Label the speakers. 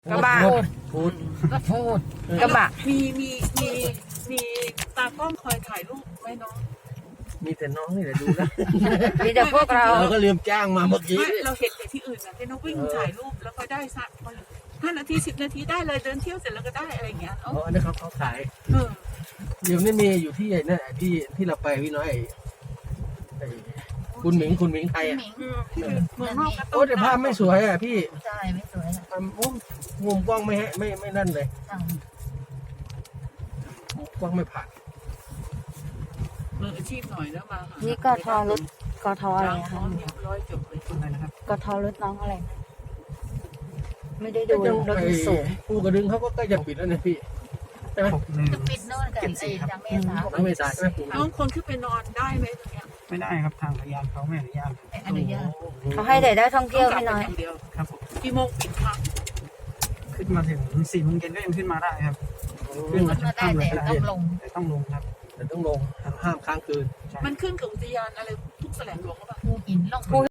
Speaker 1: กระบะ
Speaker 2: พูด
Speaker 3: ก็พูด
Speaker 1: กระบะ
Speaker 4: มีตากล้องคอยถ่ายรูปไหมน้อง
Speaker 2: มีแต่น้องนี่แหละดูนะ
Speaker 1: มีแต่พวกเรา
Speaker 2: เราก็ลืมจ้างมาเมื่อกี้
Speaker 4: ไม่เราเห็นแต่ที่อื่นนะที่น้องวิ่งถ่ายรูปแล้วก็ได้สัก5 นาที 10 นาทีได้เลยเดินเที่ยวเสร็จแล้วก็ได้อะไรอย่างเงี้ย
Speaker 2: อ๋ออันนี้เขาขาย
Speaker 4: เออ
Speaker 2: เดี๋ยวนี้มีอยู่ที่ไอ้นั่นที่เราไปพี่น้อยไอ้คุณหมิงไทยอ่ะ
Speaker 4: ที่เมืองนอกก็
Speaker 2: โอ้แต่ภาพไม่สวยอ่ะพี่
Speaker 3: ใช่ไม่สวยนะ
Speaker 2: โอ้มุมกล้องไม่นั่นเลยมุมกล้องไม่ผ่าน
Speaker 4: มืออาชีพหน่อยแล้วมาหา
Speaker 1: นี่กทรถกทอะไร
Speaker 4: ล้าง
Speaker 1: นะ
Speaker 4: ท้
Speaker 1: คะ
Speaker 4: องเรียบร้อยจบเลยคุณนะครับ
Speaker 1: กทรถน้องอะไรนะไม่ได้ดูรถมันสูง
Speaker 2: ภูกระดึงเขาก็ใกล้จะปิดแล้วนะพี่ใช่ไหม
Speaker 3: จะปิดโน่นกับไอ้จังเมษา
Speaker 2: น้องเมษาใช่ไหมภู
Speaker 4: น้องคนขึ้นไปนอนได้ไหมตรงเนี้ย
Speaker 5: ไม่ได้ครับทางพยานเขาไม่อนุญาต
Speaker 3: ไม่อนุญาต
Speaker 1: เขาให้แต่ได้ท่องเที่ยวไม่น้อย
Speaker 4: างเดียว
Speaker 5: ครับผม
Speaker 4: กี่โมงปิดพัก
Speaker 5: ขึ้นมาถึง4 โมงเย็นก็ยังขึ้นมาได้ครับ
Speaker 3: ขึ้นมาได้แต่ต้องลง
Speaker 5: แต่ต้องลงครับ
Speaker 2: แต่ต้องลงห้ามค้างคืน
Speaker 4: มันขึ้นกับอุทยานอะไรทุกแสลงหลวงหรือเปล่า
Speaker 3: ภูหินลง